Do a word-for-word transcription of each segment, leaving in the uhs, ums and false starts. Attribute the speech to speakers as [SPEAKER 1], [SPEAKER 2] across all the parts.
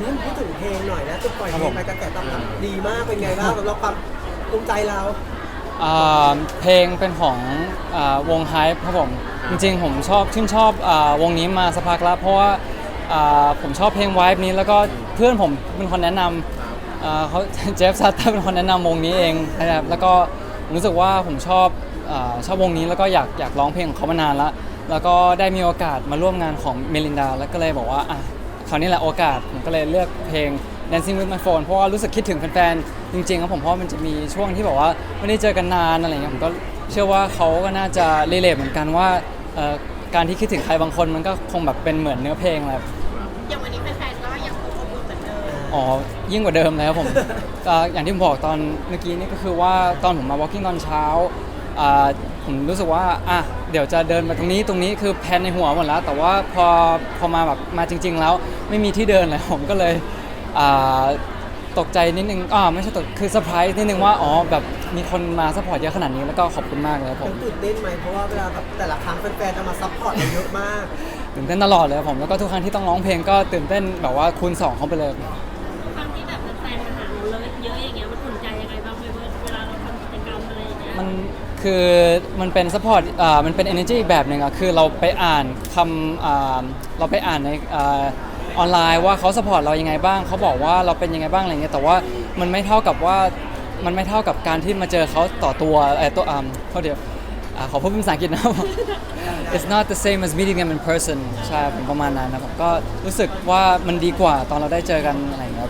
[SPEAKER 1] นี่พูดถึงเพลงหน่อยนะจุดปล่อยเพลงไปกระแสตอบรับดีมากเป็นไงบ้างสำหรับความภูมิใจเรา
[SPEAKER 2] อ่าเพลงเป็นของอ่าวง Hype ครับผมจริงๆผมชอบชื่นชอบอ่าวงนี้มาสักพักแล้วเพราะว่าอ่าผมชอบเพลง Vibe นี้แล้วก็เพื่อนผมเป็นคนแนะนำอ่าเขา เจฟซัตเตอร์เป็นคนแนะนำวงนี้เองนะครับแล้วก็ผมรู้สึกว่าผมชอบอ่าชอบวงนี้แล้วก็อยากอยากร้องเพลงของเขามานานแล้วแล้วก็ได้มีโอกาสมาร่วมงานของเมลินดาแล้วก็เลยบอกว่าอ่ะคราวนี้แหละโอกาสผมก็เลยเลือกเพลง Dancing with my phone เพราะว่ารู้สึกคิดถึงแฟนๆจริงๆครับผมเพราะมันจะมีช่วงที่บอกว่าไม่ได้เจอกันนานอะไรเงี้ยผมก็เชื่อว่าเขาก็น่าจะรีเลทเหมือนกันว่าเอ่อการที่คิดถึงใครบางคนมันก็คงแบบเป็นเหมือนเนื้อเพลงแหละ
[SPEAKER 3] อย่างวันนี้แฟนๆก็ยังคงอบอุ่นเหมือนเดิม
[SPEAKER 2] อ๋อยิ่งกว่าเดิมเลยครับผม ก็อย่างที่ผมบอกตอนเมื่อกี้นี่ก็คือว่าตอนผมมา walking ตอนเช้าอ่าผมรู้สึกว่าอ่ะเดี๋ยวจะเดินมาตรงนี้ตรงนี้คือแพลนในหัวหมดแล้วแต่ว่าพอพอมาแบบมาจริงๆแล้วไม่มีที่เดินเลยผมก็เลยอ่าตกใจนิดนึงอ่าไม่ใช่ตกคือเซอร์ไพรส์นิดนึงว่าอ๋อแบบมีคนมาซัพพอร์ตเยอะขนาดนี้แล้วก็ขอบคุณมากเลยครับผ
[SPEAKER 1] มั
[SPEAKER 2] ม
[SPEAKER 1] นตื่นเต้นไหมเพราะว่าเวลาแบบแต่ละครั้งแฟนๆจะมาซัพพอร์ตเราเยอะมาก
[SPEAKER 2] ตื่นเต้นตลอดเลยครับผมแล้วก็ทุกครั้งที่ต้องร้องเพลงก็ตื่นเต้นแบบว่าคูณสองเข้าไปเลย
[SPEAKER 3] ครั้งที่แบบแฟนๆมาหาเราเลยเยอะอย่างเงี้ยมันอุ่นใจยังไงบ้างเวลาเราทำกิจกรรมอะไรอย่างเงี้ย
[SPEAKER 2] มันคือมันเป็นซัพพอร์ตอ่ามันเป็น energy อีกแบบหนึ่งอะคือเราไปอ่านคำอ่าเราไปอ่านในอ่าออนไลน์ว่าเขาซัพพอร์ตเรายังไงบ้างเขาบอกว่าเราเป็นยังไงบ้างอะไรเงี้ยแต่ว่ามันไม่เท่ากับว่ามันไม่เท่ากับการที่มาเจอเขาต่อตัวเออตัวอ่าเขาเดี๋ยวอ่าขอพูดเป็นภาษาอังกฤษนะ It's not the same as meeting them in person ใช่ผมประมาณนั้นนะผมก็รู้สึกว่ามันดีกว่าตอนเราได้เจอกันอะไรอย่างเงี้ย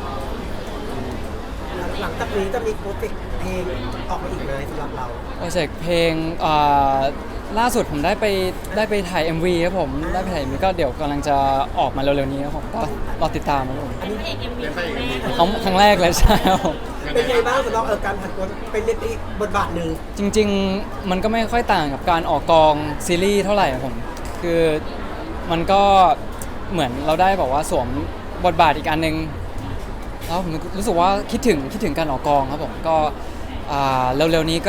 [SPEAKER 1] หลังจากนี้จะมีโปรเจกต์เพลงออกมาอีกไหมสำหรับเรา
[SPEAKER 2] โปรเจกต์เพลงอ่าล่าสุดผมได้ไปได้ไปถ่าย เอ็ม วี ครับผมได้ไปถ่าย เอ็ม วี ก็เดี๋ยวกำลังจะออกมาเร็วๆนี้ครับผมก็รอติดตามครับผม
[SPEAKER 3] อันนี้พระเอกเอ็มวีครั้งแรก
[SPEAKER 2] ครั้งครั้งแรกเลยใช่ครับผม
[SPEAKER 1] เป็นไงบ้างสำหรับเออการผันตัวเป็นเล่นอีกบทบาทหนึ่ง
[SPEAKER 2] จริงๆมันก็ไม่ค่อยต่างกับการออกกองซีรีส์เท่าไหร่ครับผมคือมันก็เหมือนเราได้บอกว่าสวมบทบาทอีกอันนึงแล้วผมรู้สึกว่าคิดถึงคิดถึงการออกกองครับผมก็อ่าเร็วๆนี้ก็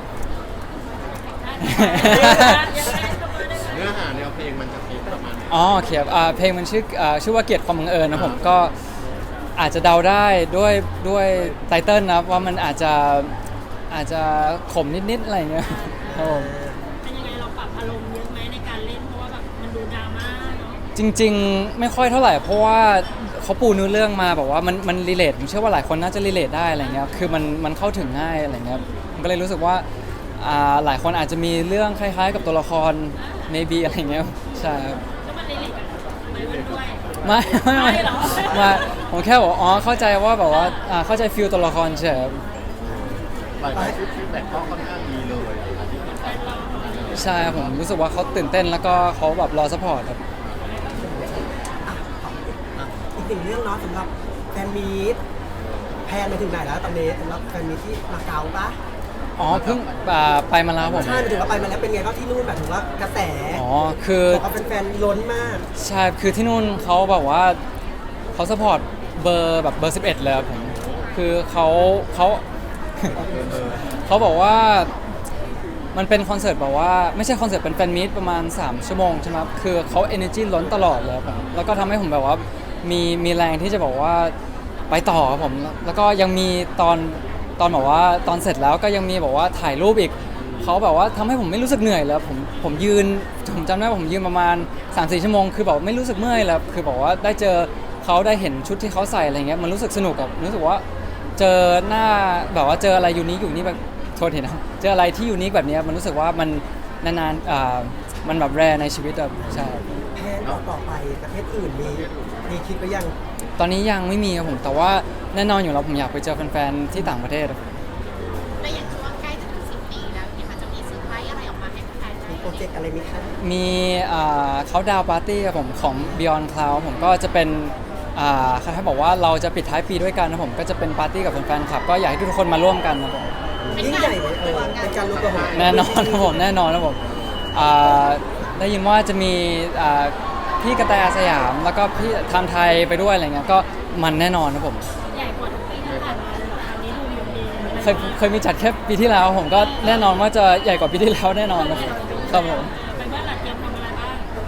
[SPEAKER 4] เนื้อหาแนวเพลงมันจะเป็นประมาณไหน
[SPEAKER 2] อ๋อโอเคครับอ่าเพลงมันชื่ออ่าชื่อว่าเกียรติความบังเอิญนะผมก็อาจจะเดาได้ด้วยด้วยไตเติ้ลนะว่ามันอาจจะอาจจะขมนิดๆอะไรเงี้ยครับผม
[SPEAKER 3] เป็นยังไงเราปรับอารมณ์เยอะไหมในการเล่นเพราะว่าแบบมันดูดราม่าเนาะ
[SPEAKER 2] จริงๆไม่ค่อยเท่าไหร่เพราะว่าเขาปูเนื้อเรื่องมาแบบว่ามันมันรีเลทผมเชื่อว่าหลายคนน่าจะรีเลทได้อะไรเงี้ยคือมันมันเข้าถึงง่ายอะไรเงี้ยผมก็เลยรู้สึกว่าอ่าหลายคนอาจจะมีเรื่องคล้ายๆ กับตัวละคร maybe อะไรเงี้ยใช่ครับ
[SPEAKER 3] แล้วมันรีเลทกันไหมมันด้วย
[SPEAKER 2] ไม่ไม่ไม่
[SPEAKER 3] ไม่เหรอ
[SPEAKER 2] ไม่ผมแค่บอกอ๋อเข้าใจว่าแบบว่าอ่าเข้าใจฟิลตัวละครเฉยครับ
[SPEAKER 4] หลายๆฟีดแบ็กก็ค่อนข้างดีเลยที่แฟนเรา
[SPEAKER 2] ใช่ครับผมรู้สึกว่าเขาตื่นเต้นแล้วก็เขาแบบรอซัพพอร์ตครับ
[SPEAKER 1] อีกหนึ่งเรื่องเนาะสำหรับแฟนมีตแพนไปถึงไหนแล้วตอนนี้สำหรับแฟนมีตที่มาเก๊าปะ
[SPEAKER 2] อ๋อเพิ่งอ่าไปมาแล้วผม
[SPEAKER 1] ใช่ไปถึงว่าไปมาแล้วเป็นไงบ้างที่นู่นแบบถึงว่ากระแส
[SPEAKER 2] อ๋อคือ
[SPEAKER 1] บอกว่าแฟนๆล้นมาก
[SPEAKER 2] ใช่คือที่นู่นเขาแบบว่าเขาซัพพอร์ตเบอร์แบบเบอร์สิบเอ็ดเลยครับผมคือเขาเขา เขาบอกว่ามันเป็นคอนเสิร์ตแบบว่าไม่ใช่คอนเสิร์ตเป็นแฟนมีตประมาณสามชั่วโมงใช่ไหมครับคือเขา energy ล้นตลอดเลยครับผมแล้วก็ทำให้ผมแบบว่ามีมีแรงที่จะบอกว่าไปต่อครับผมแล้วก็ยังมีตอนตอนแบบว่าตอนเสร็จแล้วก็ยังมีบอกว่าถ่ายรูปอีกเขาแบบว่าทำให้ผมไม่รู้สึกเหนื่อยเลยผมผมยืนผมจำได้ว่าผมยืนประมาณ สามถึงสี่ ชั่วโมงคือแบบไม่รู้สึกเมื่อยแล้วคือบอกว่าได้เจอเขาได้เห็นชุดที่เขาใส่อะไรเงี้ยมันรู้สึกสนุกกับรู้สึกว่าเจอหน้าแบบว่าเจออะไรยูนิคอยู่นี่แบบโทษทีนะเจออะไรที่ยูนิคแบบนี้มันรู้สึกว่ามันนานๆอ่ามันแบบแรในชีวิตแบบใช่
[SPEAKER 1] แพนออกต่อไปประเทศอื่นมีมีคิดไปยัง
[SPEAKER 2] ตอนนี้ยังไม่มีครับผมแต่ว่าแน่นอนอยู่แล้วผมอยากไปเจอแฟนๆที่ต่างประเทศ
[SPEAKER 3] แต่อย่างช่วงใกล้จะถึงสิบปีแล้วเนี่ยมันจะมีเซอร์ไพรส์อะไรออกมาให้แฟนๆได้
[SPEAKER 1] มีโปรเจกต์อะไรไหมคะ
[SPEAKER 2] มีเขาดาวปาร์ตี้ครับผมของ Beyond Cloud ผมก็จะเป็นอ่าคล้ายๆบอกว่าเราจะปิดท้ายปีด้วยกันนะผมก็จะเป็นปาร์ตี้กับแฟนๆคลับก็อยากให้ทุกคนมาร่วมกันนะผม
[SPEAKER 1] ยิ่งใหญ่ไหมเออเป็นการรวมตัวของ
[SPEAKER 2] แน่นอนนะผมแน่นอนนะผมอ่าได้ยินว่าจะมีอ่าพี่กระแตอาสยามแล้วก็พี่ไทม์ไทยไปด้วยอะไรเงี้ยก็มันแน่นอนนะผม
[SPEAKER 3] ใหญ่กว่าทุกปีที่ผ่านมาเลยเหรอครั้งนี้ดูอยู่ดี
[SPEAKER 2] เคยเคยมีจัดแค่ปีที่แล้วผมก็แน่นอนว่าจะใหญ่กว่าปีที่แล้วแน่นอนนะครับครับผม
[SPEAKER 3] เป็นว่าหลักเตรียมทำอะไรบ้าง
[SPEAKER 2] ผ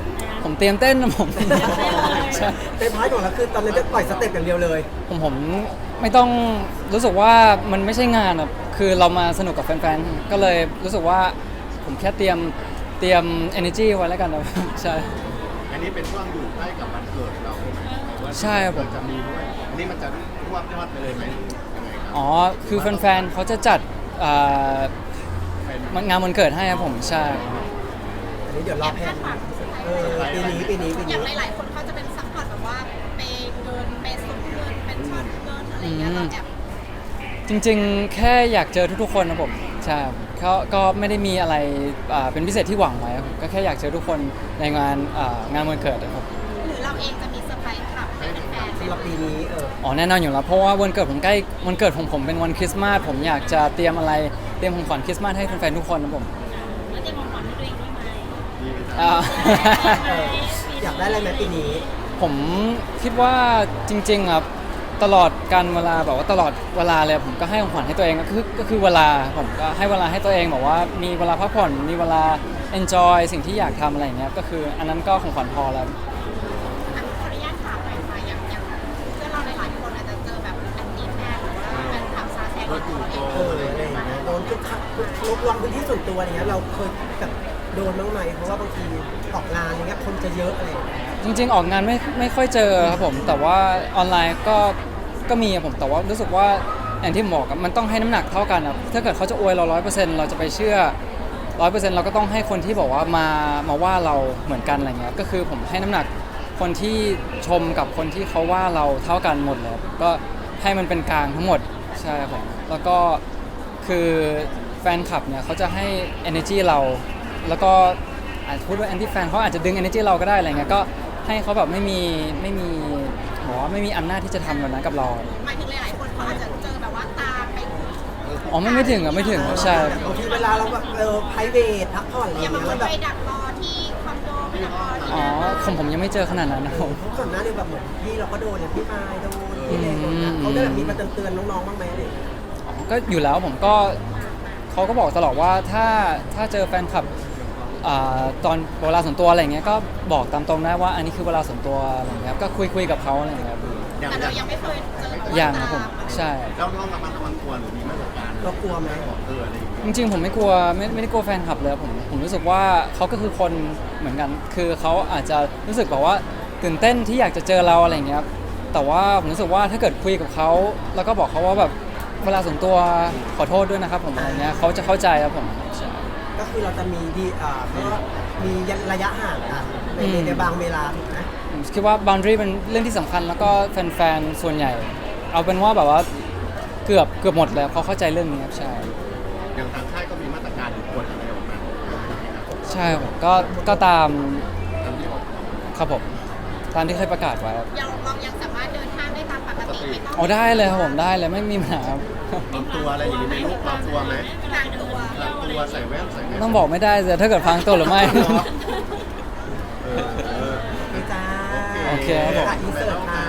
[SPEAKER 2] ผมเตรียมเต้นนะผม ใช่
[SPEAKER 1] เต็มพาร์ทของเราคือตอนนั้นจะปล่อยสเต็ปอย่างเดียวเลย
[SPEAKER 2] ผมผมไม่ต้องรู้สึกว่ามันไม่ใช่งานอะคือเรามาสนุกกับแฟนๆ ก็เลยรู้สึกว่าผมแค่เตรียมเตรียม energy ไว้แล้วกันนะ ใช่
[SPEAKER 4] อันนี้เป็นช่วงอยู่ใกล้กับวันเกิดเราใช่ไหมว่า
[SPEAKER 2] ใช่ครับผม
[SPEAKER 4] เกิดจะมีด้วยอันนี้มันจะรวบยอดไปเลยไหมยังไงครับ
[SPEAKER 2] อ๋อ คือแฟนๆ เขาจะจัดอ่า
[SPEAKER 4] เป็น
[SPEAKER 2] งานวันเกิดให้ครับผมใช่
[SPEAKER 1] อันนี้เดี๋ยวรอแพนเออปีนี้ปีนี้ปี
[SPEAKER 5] อย่าง
[SPEAKER 1] นี้
[SPEAKER 5] หลายๆคนเขาจะเป็นซัพพอร์ตแบบว่าเปย์เกินเปย์สุดเกินเป็นช็อตเกินอะไรอย่างเงี้ยเราแอบ
[SPEAKER 2] จริงๆ แค่อยากเจอทุกๆ คนนะผมใช่เขาก็ไม่ได้มีอะไรอ่าเป็นพิเศษที่หวังไว้ครับผมก็แค่อยากเจอทุกคนในงานอ่างานวันเกิดนะครับ
[SPEAKER 5] หรือเราเองจะมีเซอร์ไพรส์กลับให้แฟนๆ
[SPEAKER 1] สำหรับปีนี้เออ
[SPEAKER 2] อ๋อแน่นอนอยู่แล้วเพราะว่าวันเกิดผมใกล้วันเกิดของผมเป็นวันคริสต์มาสผมอยากจะเตรียมอะไรเตรียมของขวัญคริสต์มาสให้แฟนๆทุกคนนะผม
[SPEAKER 3] แล้วเตรียมของขวัญให้ตัวเองด้วยไหม
[SPEAKER 4] มีไหม
[SPEAKER 2] อ่า
[SPEAKER 1] เอออยากได้อะไรไหมปีนี้
[SPEAKER 2] ผมคิดว่าจริงๆครับตลอดการเวลาแบบว่าตลอดเวลาเลยผมก็ให้ของขวัญให้ตัวเองก็คือก็คือเวลาผมก็ให้เวลาให้ตัวเองแบบว่ามีเวลาพักผ่อนมีเวลา enjoy สิ่งที่อยากทำอะไรอย่างเงี้ยก็คืออันนั้นก็ของขวัญพอแล้ว
[SPEAKER 5] ขออนุญาตถามหน่อยค่ะอย่างอย่างเพื่อนเราหลายๆคนอาจจะเจอแบบแอนตี้แฟนหรือว่าแฟนคลับซาแซง
[SPEAKER 4] รถจู่โจ
[SPEAKER 1] เอ
[SPEAKER 4] ม
[SPEAKER 1] อ
[SPEAKER 4] อะไร
[SPEAKER 1] อะไรอย่าง
[SPEAKER 4] อย่าง
[SPEAKER 1] เงี้
[SPEAKER 4] เงี้
[SPEAKER 1] ย
[SPEAKER 4] ย
[SPEAKER 1] โดนทุกครั้งลุกลามพื้นที่ส่วนตัวอะไรเงี้ยเราเคยแบบโดนบ้างไหมเพราะว่าบางทีออกงานอะไรเงี้ยคนจะเยอะอะไรอย่างเงี้ย
[SPEAKER 2] จริงๆ ออกงานไม่ไม่ค่อยเจอครับผมแต่ว่าออนไลน์ก็ก็มีครับผมแต่ว่ารู้สึกว่าอย่างที่ผมบอกอะมันต้องให้น้ำหนักเท่ากันครับถ้าเกิดเขาจะอวยเราร้อยเปอร์เซ็นต์เราจะไปเชื่อร้อยเปอร์เซ็นต์เราก็ต้องให้คนที่บอกว่ามามาว่าเราเหมือนกันอะไรเงี้ยก็คือผมให้น้ำหนักคนที่ชมกับคนที่เขาว่าเราเท่ากันหมดเลยครับก็ให้มันเป็นกลางทั้งหมดใช่ครับผมแล้วก็คือแฟนคลับเนี่ยเขาจะให้ energy เราแล้วก็อาจจะพูดว่า anti fan เขาอาจจะดึง energy เราก็ได้อะไรเงี้ยก็ให้เขาแบบไม่มีไม่มีบอกว่าไม่มีอำนาจที่จะทำแบบนั้นกับเรา
[SPEAKER 5] หมายถึงหลายๆคนเขาอาจจะเจอแบบว่าตามไป
[SPEAKER 2] อ๋อไม่ไม่ถึงอ่ะไม่ถึงใช่
[SPEAKER 1] บางทีเวลาเราแบบเออไพรเวทพักผ่อนอะไร
[SPEAKER 5] อย่า
[SPEAKER 1] เงี้
[SPEAKER 5] มาย คน
[SPEAKER 1] แล้วแบบ
[SPEAKER 5] ไปดักรอที่คอนโดไปดักรอที่
[SPEAKER 2] อ๋อ
[SPEAKER 5] นั่น
[SPEAKER 2] ผมผมยังไม่เจอขนาดนั้นนะผม
[SPEAKER 1] เพราะก่อนหน้านี้แบบเหมือนพี่เราก็โดนอย่างพี่มายโดนพี่เล็กโดนนะเขาได้แบบมีมาเตือนๆน้องๆบ้างไหมอะไรอย่างเงี้ย
[SPEAKER 2] อ๋อก็อยู่แล้วผมก็เขาก็บอกตลอดว่าถ้าถ้าเจอแฟนคลับอ่าตอนเวลาส่วนตัวอะไรเงี้ยก็บอกตามตรงได้ว่าอันนี้คือเวลาส่วนตัวอะไรเงี้ยครับก็คุยคุยกับเขาอะไรเงี้ยครับ
[SPEAKER 4] อย่าง
[SPEAKER 5] แต่
[SPEAKER 4] อ
[SPEAKER 5] เรา
[SPEAKER 4] ย่าง
[SPEAKER 5] ยังไม่เคยเจอแบบว่า
[SPEAKER 2] อย่างครับผม
[SPEAKER 5] ตาม
[SPEAKER 2] ใช่
[SPEAKER 4] เราต้องระมัดระวังตัวหรือมีมาตรการ
[SPEAKER 1] เรากลัวไหม
[SPEAKER 4] เอออะไรอย่างเงี้ย
[SPEAKER 2] จริงๆผมไม่กลัวไม่ไม่ได้กลัวแฟนคลับเลยผมผมรู้สึกว่าเขาก็คือคนเหมือนกัน คือเขาอาจจะรู้สึกแบบว่าตื่นเต้นที่อยากจะเจอเราอะไรเงี้ยครับแต่ว่าผมรู้สึกว่าถ้าเกิดคุยกับเขาแล้วก็บอกเขาว่าแบบเวลาส่วนตัวขอโทษด้วยนะครับผมอะไรเงี้ยเขาจะเข้าใจครับผมใช่
[SPEAKER 1] ก็คือเราจะมีดีอ่าก็มีระยะห่างกันใน
[SPEAKER 2] อืม
[SPEAKER 1] ในบางเวลาถูกไหม
[SPEAKER 2] ผมคิดว่า boundary เป็นเรื่องที่สำคัญแล้วก็แฟนๆ ส่วนใหญ่ เอาเป็นว่าแบบว่าเกือบเกือบหมดแล้วเขาเข้าใจเรื่องนี้ครับใช่
[SPEAKER 4] อย่างทางค่ายก็มีมาตรการหรือกฎอะไรออกมา
[SPEAKER 2] ใช่ครับผมก็ก็ตาม
[SPEAKER 4] ตามที่ออก
[SPEAKER 2] ครับผมตามที่เคยประกาศไว้ครับ
[SPEAKER 5] ยังเรายังสามารถเดินทางได้ตามปกติไม่ต้อง
[SPEAKER 2] อ๋อได้เลยครับผมได้เลยไม่มีปัญหาครับ
[SPEAKER 4] ปรับตัวอะไรอย่างนี้ไหม่รู้ปรับตัวไหม
[SPEAKER 5] ทางตัว
[SPEAKER 4] ปรับตัวใส่แว่นใส่แว่น
[SPEAKER 2] ต้องบอกไม่ได้เลยถ้าเกิดพังตัวหรือไม่
[SPEAKER 4] เออเออ
[SPEAKER 1] โอเคจ้า
[SPEAKER 2] โอเคครับผม
[SPEAKER 1] อินเสิร์ตค่ะ